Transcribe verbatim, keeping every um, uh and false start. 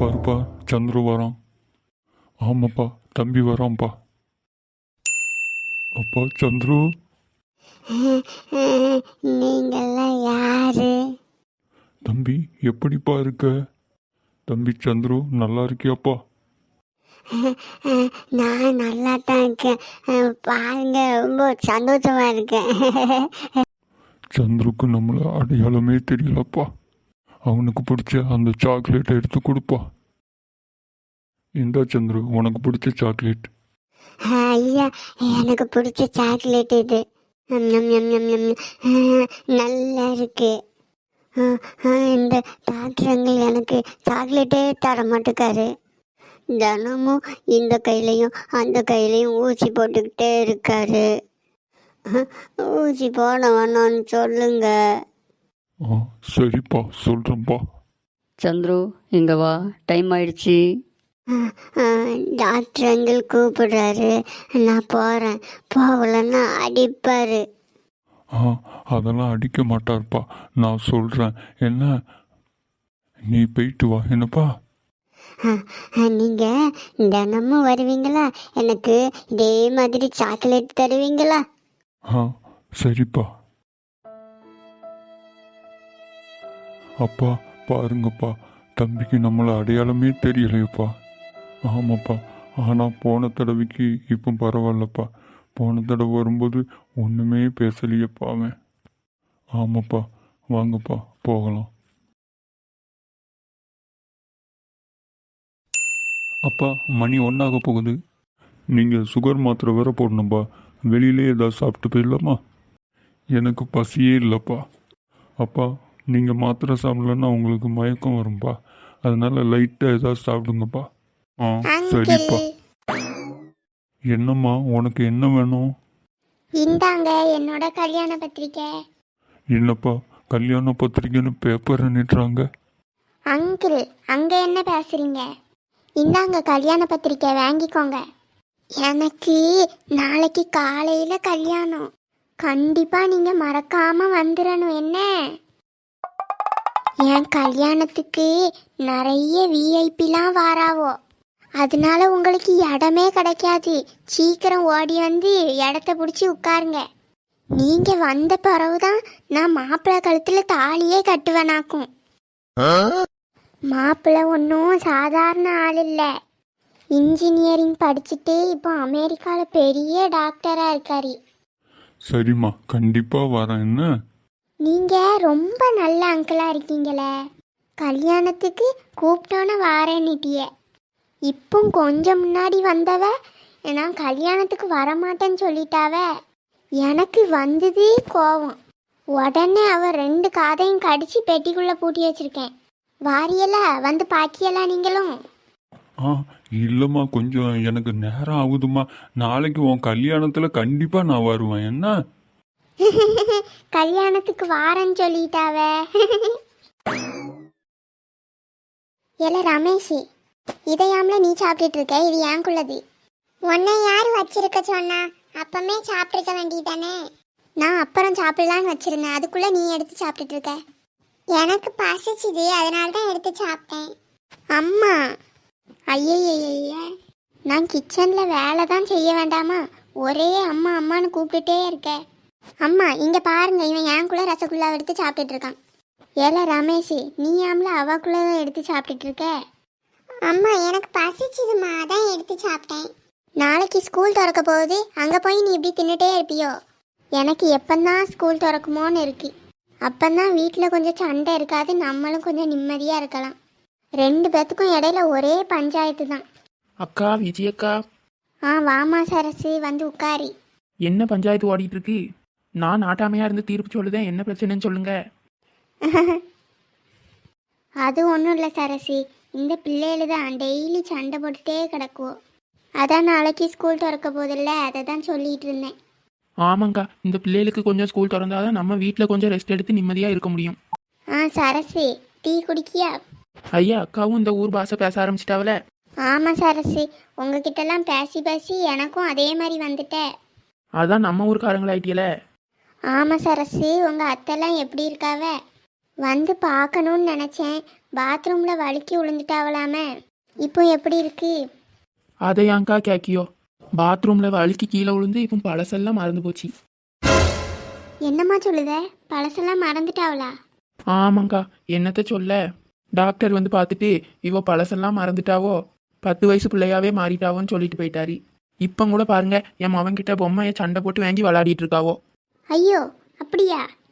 பாருப்பா, சந்துரு வரான். ஆமாப்பா, தம்பி வரான்ப்பா. அப்பா சந்துரு, நீங்கெல்லாம் யாரு? தம்பி எப்படிப்பா இருக்க? தம்பி சந்துரு, நல்லா இருக்கியாப்பா? நான் நல்லா தான் இருக்கேன். பாருங்க, ரொம்ப சந்தோஷமா இருக்கேன். சந்துருக்கு நம்மளை அடையாளமே தெரியலப்பா. அவனுக்கு பிடிச்ச அந்த சாக்லேட்டை எடுத்து கொடுப்பா. இந்தா சந்துரு, உனக்கு பிடிச்ச சாக்லேட். ஐயா, எனக்கு பிடிச்ச சாக்லேட் இது. ம், ம், ம், ம், ம். ஆ, நல்லா இருக்கு. ஆ, ஆ, இந்த டாக்டர் அங்கிள் எனக்கு சாக்லேட்டே தர மாட்டேக்காரு. தினமும் இந்த கையிலையும் அந்த கையிலையும் ஊசி போட்டுக்கிட்டே இருக்காரு. ஊசி போட வேணாம்னு சொல்லுங்க. ஆ சரிப்பா, சொல்கிறேன்ப்பா. சந்துரு, இங்கே வா, டைம் ஆயிடுச்சு. டாக்டர் அங்கிள் கூப்பிடுறாரு, நான் போகிறேன். போகலன்னா அடிப்பார். ஆ அதெல்லாம் அடிக்க மாட்டார்ப்பா, நான் சொல்கிறேன். என்ன, நீ போயிட்டு வா என்னப்பா. நீங்கள் தினமும் வருவீங்களா? எனக்கு இதே மாதிரி சாக்லேட் தருவீங்களா? ஆ சரிப்பா. அப்பா பாருங்கப்பா, தம்பிக்கு நம்மளை அடையாளமே தெரியலையப்பா. ஆமாப்பா, ஆனால் போன தடவைக்கு இப்போ பரவாயில்லப்பா. போன தடவை வரும்போது ஒன்றுமே பேசலையப்பா அவன். ஆமாப்பா, வாங்கப்பா போகலாம். அப்பா, மணி ஒன்றாக போகுது. நீங்கள் சுகர் மாத்திரை வேற போடணும்ப்பா. வெளியிலே ஏதாவது சாப்பிட்டு போயிடலாமா? எனக்கு பசியே இல்லைப்பா. அப்பா, நீங்கள் மாத்திரை சாப்பிடலன்னா உங்களுக்கு மயக்கம் வரும்பா. அதனால லைட்டாக ஏதாவது சாப்பிடுங்கப்பா. ஆ சரிப்பா. என்னம்மா, உனக்கு என்ன வேணும்? இந்தாங்க என்னோட கல்யாண பத்திரிக்கை. என்னப்பா, கல்யாண பத்திரிக்கைன்னு பேப்பர் நிட்டுறாங்க. அங்கிள், அங்கே என்ன பேசுறீங்க? இந்தாங்க கல்யாண பத்திரிக்கை, வாங்கிக்கோங்க. எனக்கு நாளைக்கு காலையில் கல்யாணம். கண்டிப்பாக நீங்கள் மறக்காமல் வந்துடணும். என்ன, என் கல்யாணத்துக்கு நிறைய விஐபிலாம் வாராவோ. அதனால உங்களுக்கு இடமே கிடைக்காது. சீக்கிரம் ஓடி வந்து இடத்த பிடிச்சி உட்காருங்க. நீங்கள் வந்த பிறகுதான் நான் மாப்பிள்ளை கழுத்தில் தாலியே கட்டுவேனாக்கும். மாப்பிள்ளை ஒன்றும் சாதாரண ஆள் இல்லை. இன்ஜினியரிங் படிச்சுட்டு இப்போ அமெரிக்காவில் பெரிய டாக்டராக இருக்காரு. சரிம்மா, கண்டிப்பாக வரேன். என்ன, நீங்கள் ரொம்ப நல்ல அங்கிளாக இருக்கீங்களே. கல்யாணத்துக்கு கூப்பிட்டோன்னு வாரேன்னுட்டிய. இப்போ கொஞ்சம் முன்னாடி வந்தவ நான் கல்யாணத்துக்கு வரமாட்டேன்னு சொல்லிட்டாவ. எனக்கு வந்தது கோவம். உடனே அவ ரெண்டு காதையும் கடிச்சு பெட்டிக்குள்ளே பூட்டி வச்சிருக்கேன். வாரியலா வந்து பாக்கியலா நீங்களும்? ஆ இல்லைம்மா, கொஞ்சம் எனக்கு நேரம் ஆகுதுமா. நாளைக்கு உன் கல்யாணத்தில் கண்டிப்பாக நான் வருவேன். என்ன, கல்யாணத்துக்கு வாரேன்னு சொல்லிட்டாவ. ஏல ரமேஷ், இதையாமல நீ சாப்பிட்டுட்டு இருக்க? இது ஏங்குள்ளது. உன்னை யார் வச்சிருக்க சொன்னா? அப்பமே சாப்பிட்டுருக்க வேண்டியதானே. நான் அப்புறம் சாப்பிடலான்னு வச்சிருந்தேன், அதுக்குள்ள நீ எடுத்து சாப்பிட்டுட்டு இருக்க. எனக்கு பசிச்சுது, அதனால தான் எடுத்து சாப்பிட்டேன். அம்மா, ஐயய்ய, நான் கிச்சனில் வேலை தான் செய்ய வேண்டாமா? ஒரே அம்மா அம்மான்னு கூப்பிட்டுட்டே இருக்க. அம்மா இங்கே பாருங்க, இவன் ஏங்குள்ள ரசகுல்லா எடுத்து சாப்பிட்டுட்டு இருக்கான். ஏல ரமேஷ், நீ ஆம்ல அவாக்குள்ள தான் எடுத்து சாப்பிட்டுட்டு இருக்க. அம்மா எனக்கு பசிச்சுதுமா, அதான் எடுத்து சாப்பிட்டேன். நாளைக்கு ஸ்கூல் திறக்க போகுது, அங்கே போய் நீ இப்படி தின்னுட்டே இருப்பியோ? எனக்கு எப்பந்தான் ஸ்கூல் திறக்குமோன்னு இருக்கு. அப்பந்தான் வீட்டில் கொஞ்சம் சண்டை இருக்காது, நம்மளும் கொஞ்சம் நிம்மதியாக இருக்கலாம். ரெண்டு பேத்துக்கும் இடையில ஒரே பஞ்சாயத்து தான். அக்கா, விஜயக்கா. ஆ வாமா சரசு, வந்து உட்காரி. என்ன பஞ்சாயத்து ஓடிட்டு இருக்கு? நான் நாட்டாமையா இருந்து தீர்ப்பு சொல்லுதேன், என்ன பிரச்சனைன்னு சொல்லுங்க. அது ஒன்றும் இல்லை சரசி, இந்த பிள்ளைகளு தான் டெய்லி சண்டை போட்டுட்டே கிடக்குவோம். அதான் நாளைக்கு ஸ்கூல் திறக்க போதில்ல, அதை தான் சொல்லிட்டு இருந்தேன். ஆமாங்க்கா, இந்த பிள்ளைகளுக்கு கொஞ்சம் ஸ்கூல் திறந்தாதான் நம்ம வீட்டில் கொஞ்சம் ரெஸ்ட் எடுத்து நிம்மதியாக இருக்க முடியும். ஆ சரசி, டீ குடிக்கியா? ஐயா, அக்காவும் இந்த ஊர் பாஷை பேச ஆரம்பிச்சிட்டாவல. ஆமாம் சரசி, உங்ககிட்டலாம் பேசி பேசி எனக்கும் அதே மாதிரி வந்துட்டேன். அதான் நம்ம ஊருக்காரங்களாயிட்டியல. ஆமாம் சரசி, உங்கள் அத்தைலாம் எப்படி இருக்காவ? வந்து பார்க்கணும்னு நினச்சேன். பாத்ரூமில் வழுக்கி விழுந்துட்டாவலாமே. இப்போ எப்படி இருக்கு? அதை ஏன்க்கா கேக்கியோ? பாத்ரூம்ல வழுக்கி கீழே விழுந்து இப்போ பழசெல்லாம் மறந்து போச்சு. என்னம்மா சொல்லுத? பழசெல்லாம் மறந்துட்டாவளா? ஆமாங்க்கா, என்னத்த சொல்ல. டாக்டர் வந்து பார்த்துட்டு இவ பழசெல்லாம் மறந்துட்டாவோ, பத்து வயசு பிள்ளையாவே மாறிட்டாவோன்னு சொல்லிட்டு போயிட்டாரு. இப்போ கூட பாருங்க, என் மவன்கிட்ட பொம்மையை சண்டை போட்டு வாங்கி விளையாடிட்டு இருக்காவோ. ஐயோ, அப்படியா?